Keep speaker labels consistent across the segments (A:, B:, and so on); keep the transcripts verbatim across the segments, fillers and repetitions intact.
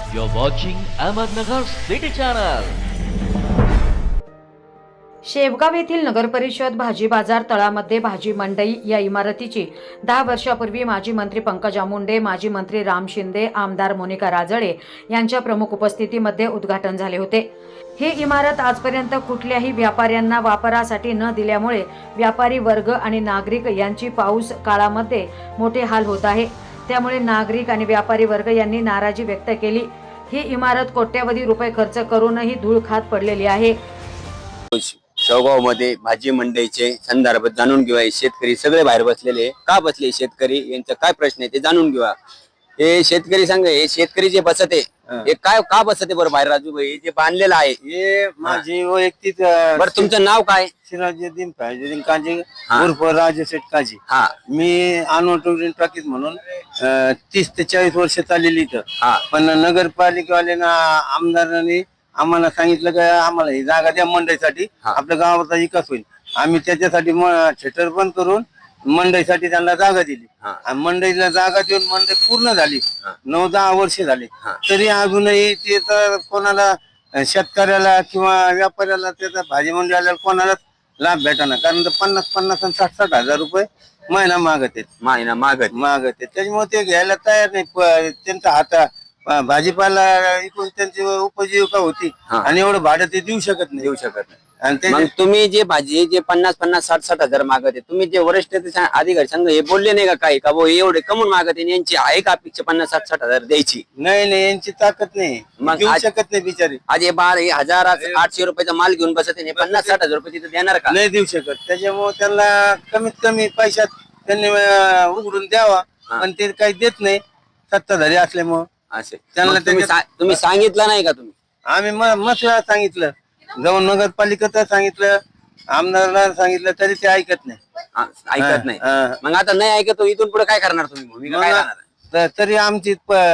A: You're watching Ahmednagar City Channel.
B: Shevgaon येथील नगरपरिषद भाजी बाजार तळामध्ये भाजी मंडई या इमारतीची दहा वर्षापूर्वी माजी मंत्री पंकजा मुंडे, माजी मंत्री राम शिंदे, आमदार मोनिका राजळे यांच्या प्रमुख उपस्थितीमध्ये उद्घाटन झाले होते। ही इमारत आजपर्यंत कुठल्याही व्यापाऱ्यांना वापरासाठी न दिल्यामुळे व्यापारी वर्ग आणि नागरिक यांची पाऊस काळामध्ये मोठे हाल होत आहे। त्यामुळे नागरिक आणि व्यापारी वर्ग यांनी नाराजी व्यक्त केली। ही इमारत कोट्यवधी रुपये खर्च करूनही धूळ खात पडलेली आहे।
C: शेवगाव मध्ये भाजी मंडईचे संदर्भात जाणून घेऊया। शेतकरी सगळे बाहेर बसलेले का बसले, शेतकरी यांचा काय प्रश्न आहे ते जाणून घेऊया। हे शेतकरी सांग, हे शेतकरी जे बसत आहे हे काय का बसत आहे बरं बाहेर? राजू भाई, जे बांधलेलं आहे हे
D: माझी वैयक्तिक
C: बरं, तुमचं नाव काय?
D: सिराजुद्दीन फैजुद्दीन काजी उर्फ राजे शेठ काजी।
C: हा,
D: मी अनवटून टाकीत म्हणून अं, तीस ते चाळीस वर्ष चाललेली इथं।
C: हा,
D: पण नगरपालिकेवाल्यांना आमदारांनी आम्हाला सांगितलं की आम्हाला ही जागा द्या मंडईसाठी, आपल्या गावाचा विकास होईल। आम्ही त्याच्यासाठी थिएटर बंद करून मंडईसाठी त्यांना जागा दिली आणि मंडईला जागा देऊन मंडई पूर्ण झाली। नऊ दहा वर्ष झाली तरी अजूनही ते तर कोणाला शेतकऱ्याला किंवा व्यापाऱ्याला त्याचा भाजी मंडईला कोणालाच लाभ भेटाना, कारण पन्नास पन्नास आणि साठ साठ हजार रुपये महिना मागत आहेत
C: महिना मागत
D: मागत आहेत त्याच्यामुळे ते घ्यायला तयार नाही। त्यांचा हाता भाजीपाला इकडून त्यांची उपजीविका होती आणि एवढं भाडं ते देऊ शकत नाही
C: देऊ शकत नाही।
D: आणि
C: मग तुम्ही जे भाजी जे पन्नास पन्नास साठ साठ हजार मागत आहे, तुम्ही जे वरिष्ठ अधिकारी सांग हे बोलले नाही का काही का भाऊ एवढे कमून मागत आहे, यांची आहे का अपेक्षा पन्नास साठ साठ हजार द्यायची?
D: नाही नाही, यांची ताकद नाही,
C: मग
D: देऊ
C: आज-
D: शकत नाही बिचारी।
C: आज हे बार हे हजार आठशे रुपयाचा माल घेऊन बसत आहे, पन्नास साठ हजार रुपये तिथे देणार का?
D: नाही देऊ शकत। त्याच्यामुळे त्यांना कमीत कमी पैशात त्यांनी अं, उघडून द्यावा, पण ते काही देत नाही सत्ताधारी असल्यामुळे।
C: असे
D: त्यांना
C: मग तुम्ही
D: त्याच्यात-
C: सा- तुम्ही सांगितलं नाही का? तुम्ही
D: आम्ही मस्त वेळा सांगितलं, जाऊन नगरपालिकेत सांगितलं, आमदाराला सांगितलं तरी ते ऐकत नाही
C: आ, ऐकत नाही।
D: हा.
C: मग आता नाही ऐकत, इथून पुढे काय करणार तुम्ही? भूमिका काय करणार?
D: तर तरी आमची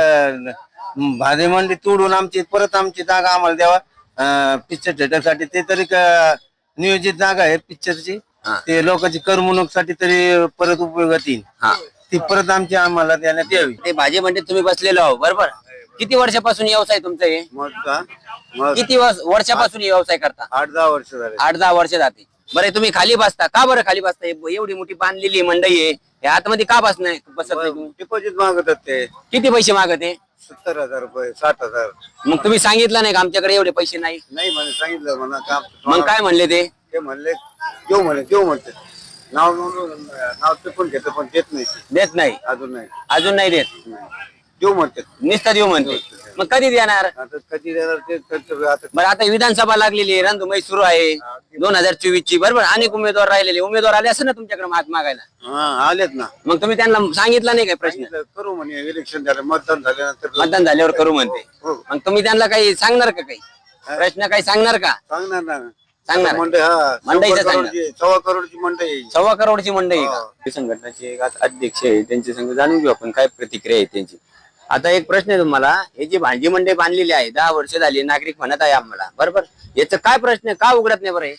D: भाजी मंडी तोडून आमची परत आमची जागा आम्हाला द्यावा पिक्चर थिएटरसाठी। ते तरी क- नियोजित जागा आहे पिक्चरची,
C: हा.
D: ते लोकांची करमणुकीसाठी तरी परत उपयोगात येईल,
C: हा,
D: ती परत आमची आम्हाला देण्यात यावी।
C: ते भाजी मंडईत तुम्ही बसलेलो आहो, बरोबर? किती वर्षापासून व्यवसाय तुमचा हे?
D: मग का मग
C: किती वर्ष वर्षापासून हे व्यवसाय करता?
D: आठ दहा वर्ष झाले।
C: आठ दहा वर्ष जाते। बरं, तुम्ही खाली बसता का? बरं खाली बसता? हे एवढी मोठी बांधलेली मंडई आहे, या आतमध्ये का बस नाही बसत नाही तुम्ही?
D: डिपॉझिट मागतात ते
C: किती पैसे मागत आहे?
D: सत्तर हजार रुपये साठ हजार।
C: मग तुम्ही सांगितलं नाही का आमच्याकडे एवढे पैसे नाही?
D: नाही म्हणे, सांगितलं म्हणा का
C: मग काय म्हणले ते?
D: ते म्हणले देऊ म्हणे, देऊ म्हणते, नाव नोंदवून- नाव टिपून घेतं पण देत नाही ते.
C: देत नाही,
D: अजून नाही
C: अजून नाही देत,
D: देऊ म्हणते।
C: नुसतं देऊ म्हणते। मग कधी देणार?
D: आता कधी देणार ते तर आता
C: बरं, आता विधानसभा लागलेली आहे, रणधुमाई सुरू आहे दोन हजार चोवीस ची, बरोबर? अनेक उमेदवार राहिलेले, उमेदवार आले असं ना तुमच्याकडे माग मागायला?
D: हा आलेत ना।
C: मग तुम्ही त्यांना सांगितलं नाही काय प्रश्न?
D: सांगितलं, करू म्हणे इलेक्शन झालं, मतदान झाल्यानंतर
C: मतदान झाल्यावर करू म्हणते।
D: हो.
C: मग तुम्ही त्यांना काही सांगणार का? काही प्रश्न काही सांगणार का?
D: सांगणार ना,
C: सांगणार.
D: मंडई हा
C: मंडईचं
D: सव्वा
C: सांगणार.
D: करोडची सव्वा करोडची मंडई आहे.
C: सव्वा करोडची मंडई आहे का? संघटनेचे एक आज अध्यक्ष आहे, त्यांच्या संग जाणून घेऊ आपण काय प्रतिक्रिया आहे त्यांची। आता एक प्रश्न आहे तुम्हाला, हे जी भाजी मंडई बांधलेली आहे दहा वर्ष झाली, नागरिक म्हणत आहे आम्हाला, बरोबर? याचा काय प्रश्न आहे? का उघडत नाही बरं? हे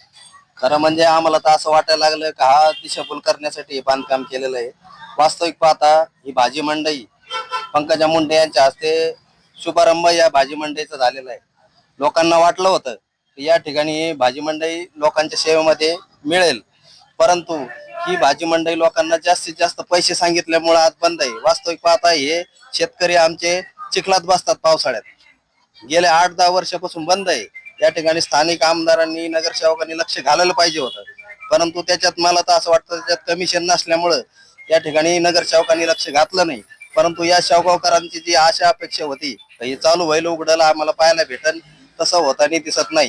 E: खरं म्हणजे आम्हाला तर असं वाटायला लागलं का हा दिशाभूल करण्यासाठी हे बांधकाम केलेलं आहे। वास्तविक पाहता ही भाजी मंडई पंकजा मुंडे यांच्या हस्ते शुभारंभ या भाजी मंडईचा झालेला आहे। लोकांना वाटलं होतं की या ठिकाणी भाजी मंडई लोकांच्या सेवेमध्ये मिळेल, परंतु ही भाजी मंडई लोकांना जास्तीत जास्त पैसे सांगितल्यामुळे आज बंद आहे। वास्तविक पाहता हे शेतकरी आमचे चिखलात बसतात पावसाळ्यात, गेले आठ दहा वर्षापासून बंद आहे। या ठिकाणी स्थानिक आमदारांनी नगरसेवकांनी लक्ष घालायला पाहिजे होतं, परंतु त्याच्यात मला तर असं वाटतं त्याच्यात कमिशन नसल्यामुळं या ठिकाणी नगरसेवकांनी लक्ष घातलं नाही। परंतु या शेवगावकरांची जी आशा अपेक्षा होती हे चालू व्हायला उघडायला आम्हाला पाहायला भेटल, तसं होताना दिसत नाही।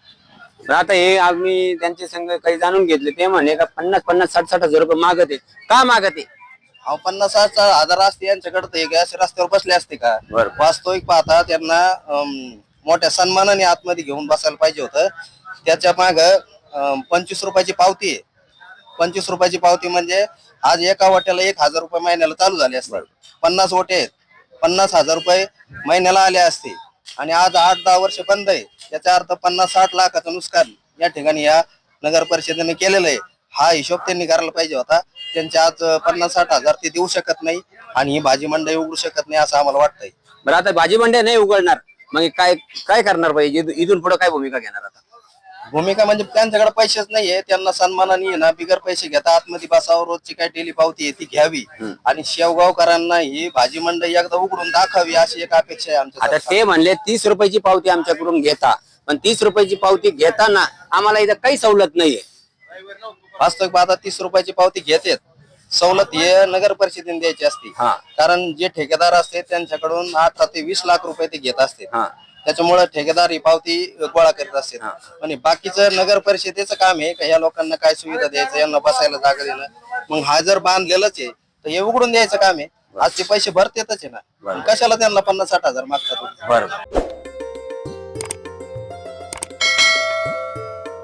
C: तर आता हे आम्ही त्यांचे संघ काही जाणून घेतले, ते म्हणे का पन्नास पन्नास साठ साठ हजार रुपये मागत आहे। का मागत आहे?
E: अहो पन्नास साठ हजार असते यांच्याकडे तर हे असे रस्त्यावर बसले असते का?
C: बरं.
E: वास्तविक पाहता त्यांना अं, मोठ्या सन्मानाने आतमध्ये घेऊन बसायला पाहिजे होतं। त्याच्या माग पंचवीस रुपयाची पावती आहे। पंचवीस रुपयाची पावती म्हणजे आज एका वाट्याला एक हजार रुपये महिन्याला चालू झाले असते। पन्नास वाटे आहेत, पन्नास हजार रुपये महिन्याला आले असते आणि आज आठ दहा वर्ष बंद आहे। याचा अर्थ पन्नास साठ लाखाचं नुकसान या ठिकाणी या नगर परिषदेने केलेलं आहे। हा हिशोब त्यांनी करायला पाहिजे होता। त्यांचे आज पन्नास साठ हजार ते देऊ शकत नाही आणि ही भाजी मंडई उघडू शकत नाही असं आम्हाला वाटतंय।
C: बरं आता भाजी मंड्या नाही उघडणार मग हे काय काय करणार पाहिजे इथून- इथून पुढे काय भूमिका घेणार आता?
E: भूमिका म्हणजे त्यांच्याकडे पैसेच नाहीये, त्यांना सन्मानाने आहे ना बिगर पैसे घेता आतमध्ये बसावं, रोजची काय डेली पावती आहे ती घ्यावी आणि शेवगावकरांना ही भाजी मंडई एकदा उघडून दाखवावी अशी एक अपेक्षा आहे आमच्या
C: आता
E: सरकारची.
C: ते म्हणले तीस रुपयाची पावती आमच्याकडून घेता, पण तीस रुपयाची पावती घेताना आम्हाला इथं काही सवलत नाहीये.
E: वास्तविक पाहता तीस रुपयाची पावती घेतात, सवलत हे नगर परिषदेने द्यायची असते.
C: हा.
E: कारण जे ठेकेदार असते त्यांच्याकडून अठरा ते वीस लाख रुपये ते घेत असते.
C: हा.
E: त्याच्यामुळे ठेकेदार ही पावती गोळा करीत असते आणि बाकीचं नगर परिषदेचं काम आहे का या लोकांना काय सुविधा द्यायचं, यांना बसायला जागा देणं. मग हा जर बांधलेलंच आहे तर हे उघडून द्यायचं काम आहे. आज ते पैसे भरतेच आहे ना, कशाला त्यांना पन्नास साठ हजार मागतात.
C: बरोबर.